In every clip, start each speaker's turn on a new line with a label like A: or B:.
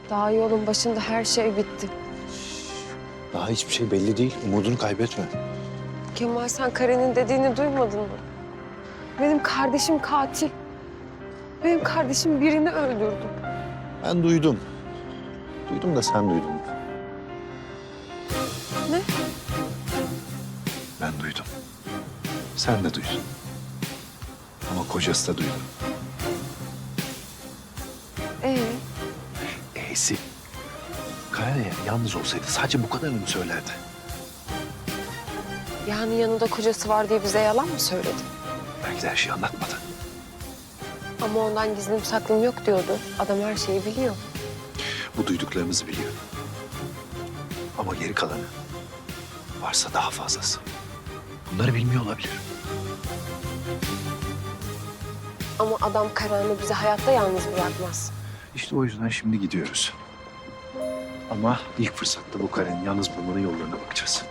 A: Daha yolun başında her şey bitti.
B: Daha hiçbir şey belli değil. Umudunu kaybetme.
A: Kemal, sen Karen'in dediğini duymadın mı? Benim kardeşim katil. Benim kardeşim birini öldürdü.
B: Ben duydum. Duydum da sen duydun mu?
A: Ne?
B: Ben duydum. Sen de duydun. Ama kocası da duydu. E'si. Karen eğer yalnız olsaydı sadece bu kadarını mı söylerdi?
A: Yani yanında kocası var diye bize yalan mı söyledi?
B: Belki de her şeyi anlatmadı.
A: Ama ondan gizlim saklım yok diyordu. Adam her şeyi biliyor.
B: Bu duyduklarımızı biliyor. Ama geri kalanı varsa daha fazlası. Bunları bilmiyor olabilir.
A: Ama adam Karen'i bize hayatta yalnız bırakmaz.
B: İşte o yüzden şimdi gidiyoruz. Ama ilk fırsatta bu Karen'i yalnız bulmanın yollarına bakacağız.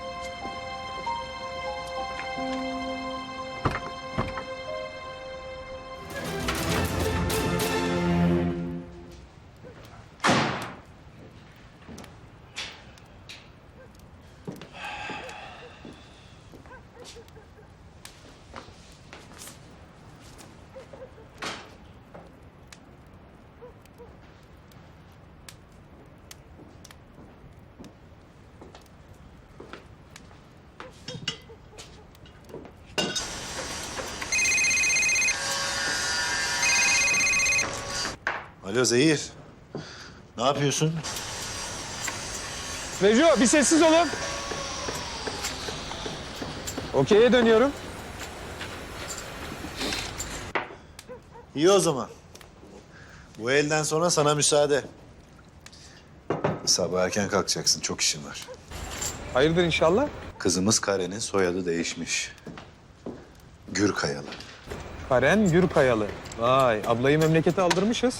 B: Alo Zehir. Ne yapıyorsun?
C: Reco bir sessiz olun. Okey'e dönüyorum.
B: İyi o zaman. Bu elden sonra sana müsaade. Sabah erken kalkacaksın. Çok işin var.
C: Hayırdır inşallah?
B: Kızımız Karen'in soyadı değişmiş. Gürkayalı.
C: Karen Gürkayalı. Vay ablayı memlekete aldırmışız.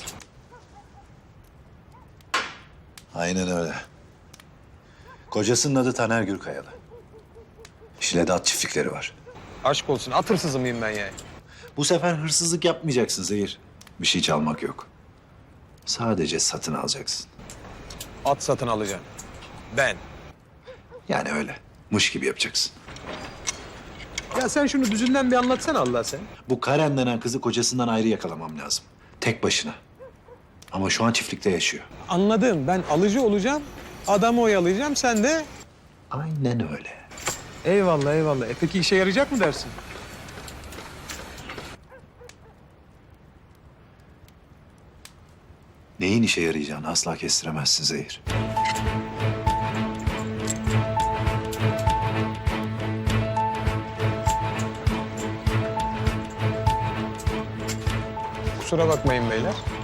B: Aynen öyle. Kocasının adı Taner Gürkayalı. Şile'de at çiftlikleri var.
C: Aşk olsun at hırsızı mıyım ben yani?
B: Bu sefer hırsızlık yapmayacaksın Zehir. Bir şey çalmak yok. Sadece satın alacaksın.
C: At satın alacağım. Ben.
B: Yani öyle. Muş gibi yapacaksın.
C: Ya sen şunu düzünden bir anlatsana Allah sen.
B: Bu Karen denen kızı kocasından ayrı yakalamam lazım. Tek başına. Ama şu an çiftlikte yaşıyor.
C: Anladım ben alıcı olacağım. Adamı oyalayacağım sen de.
B: Aynen öyle.
C: Eyvallah eyvallah. Peki işe yarayacak mı dersin?
B: Neyin işe yarayacağını asla kestiremezsin Zehir.
C: Kusura bakmayın beyler.